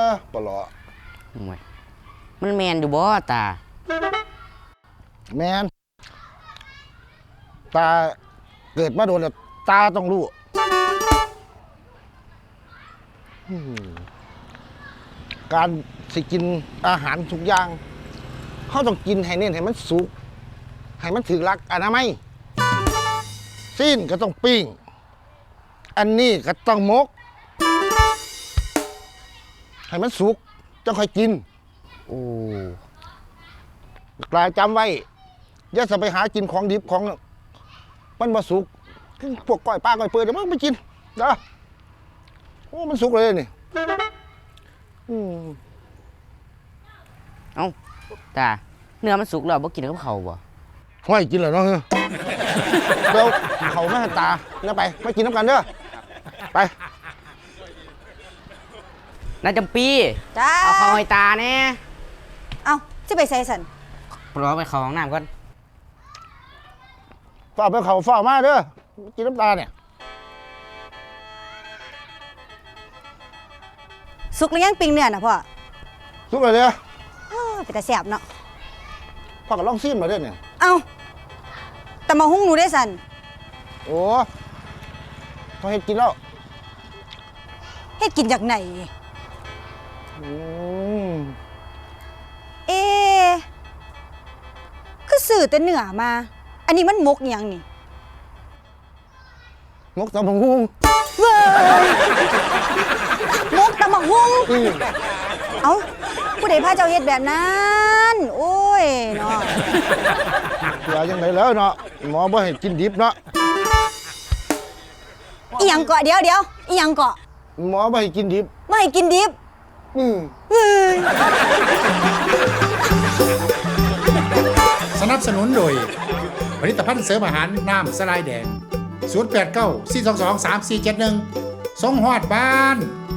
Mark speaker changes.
Speaker 1: ปลอ
Speaker 2: ห่วยมันแมนอยู่บ่ตา
Speaker 1: แมนตาเกิดมาโดนแล้วตาต้องรู้การสิกินอาหารทุกอย่างเขาต้องกินให้เน้นให้มันสุกให้มันถึงหลักอนามัยสิ้นก็ต้องปิ้งอันนี้ก็ต้องมกให้มันสุกจะค่อยกิน
Speaker 2: โอ้
Speaker 1: กลายจำไว้อย่าจะไปหากินของดิบของมันมาสุกพวกก้อยปลาก้อยเปื่อยเดี๋ยวมันไปกินนะโอ้มันสุกเลยนี่
Speaker 2: เอ้าตาเนื้อมันสุกแล้วบ่กินกับเขาบ่
Speaker 1: ห้อยกินเหรอเนาะเดี๋ยวเขาแม่ตาเนี่ยไปไม่กินน้ำกันเด้อไป
Speaker 2: น้าจำปี
Speaker 3: จ้า
Speaker 2: เอาเขาให้ตาแน่
Speaker 3: เอาจะไปใส่สัน
Speaker 2: รอไปเข้าห้องน้ำก่อน
Speaker 1: ฝ้าไปเขาฝ้ามาเด้อกินน้ำตาเนี่ย
Speaker 3: สุกหรือยังปิ้งเนื้อนะพ่อ
Speaker 1: สุกเลยเด้อ
Speaker 3: เป็นตาแซ่บเนาะ
Speaker 1: พ่อก็ลองซิมมาเด้อเนี่ย
Speaker 3: เอาแต่มาหุ้งหนูได้สัน
Speaker 1: โอ้พอเห็ดกินแล้ว
Speaker 3: เฮ็ดกินจากไหนคือสื่อแต่เนื้อมา อันนี้มันมกยังนี่
Speaker 1: มกตำบักหุ่ง
Speaker 3: เว้ยมกตำบักหุ่งเอ้าผู้ใดพาเจ้าเฮ็ดแบบนั้นโอ้ยเนาะ
Speaker 1: อย่าจังไดแล้วเนาะหมอบ่ให้กินดิบเนาะ
Speaker 3: อีหยังเกาะเดี๋ยวอีหยังเกาะ
Speaker 1: หมอบ่ให้กินดิบ
Speaker 3: ไม่ให้กินดิบเฮ้ย
Speaker 4: สนับสนุนโดยผลิตภัณฑ์เสริมอาหารน้ำสลายแดง089 422 3471ส่งฮอดบ้าน